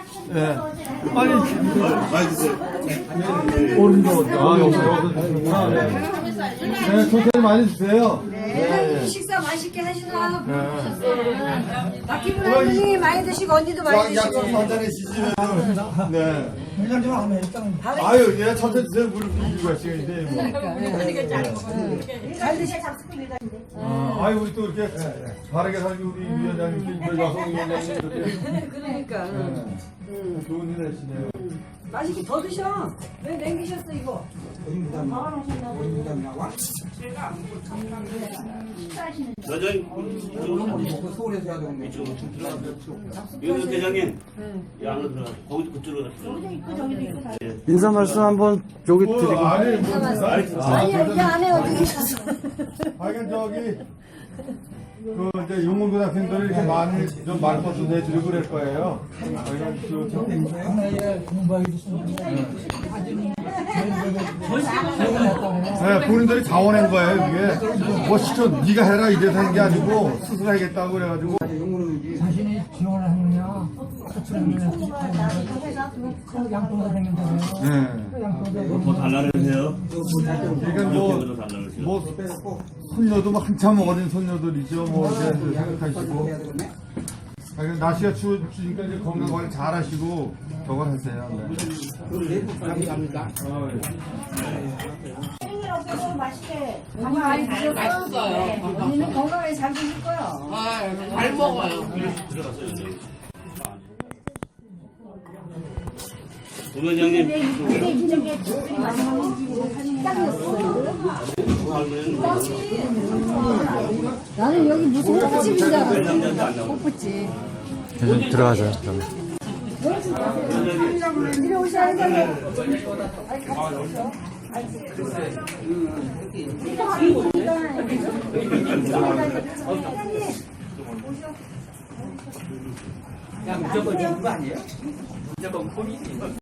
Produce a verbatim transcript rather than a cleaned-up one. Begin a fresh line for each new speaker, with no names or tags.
네. 빨리
많이 드세요.
오른쪽. 아, 여기, 여기. 아, 네. 네, 천천히 많이 주세요.
네. 식사 맛있게 하시나?
네.
박기분 할머니 많이 드시고 언니도 많이 드시고.
약좀 한잔 해주시면.
네.
회장 좀 하면 일단
아유, 예, 천천히 드세요. 물 부주가 시간인데, 뭐.
잘 드시.
아, 아유, 우리 또 이렇게 바르게 살기 우리 위원장님, 우리 여성 위원장님 이렇게.
그러니까.
네. 좋은 일 하시네요.
맛있게 더 드셔. 왜 남기셨어 이거?
여전히
먹고 서울에서 해야 되는
이쪽으로 좀 들어가세요. 윤 대장님, 이 안으로 들어가. 거기도 그쪽으로 가세요.
인사 말씀 한번 여기
뭐,
드리고.
아니, 뭐,
아니요, 이 안에 어디 계셨어?
하여간 저기 그 이제 용문고등학생들을 이렇게 많이 좀 말벗도 내주고 그럴 거예요. 하여간 저, 저,
하나에 공부하기
네, 본인들이 자원한 거예요 이게. 뭐 시켜 네가 해라 이래서 한 게 아니고 스스로 하겠다고 그래가지고.
자신이 지원을 하느냐 수출하느냐 양보가 되는데요.
네.
더 달라르세요.
그러니까 뭐, 뭐 손녀도 뭐 한참 어린 손녀들이죠. 뭐 이제 생각하시고. 하여간 날씨가 추우니까 이제 건강 관리 잘 하시고 저거 하세요. 네.
감사합니다.
어, 예.
생일 없어서 맛있게 많이 많이 드셨어?
맛있어요.
언니는 건강하게 잘 드실 거야.
아, 잘 먹어요.
부원장님,
근데 이쪽에 집들이 많이 먹는 땅이었어. 나는 여기 무슨 호프집인 줄 알았어. 호프집.
좀 들어가세요. 그럼.
이리 오셔야 되는데. 아니, 같이 오셔.
야 무조건 이거 아니에요? 무조건 폰이지.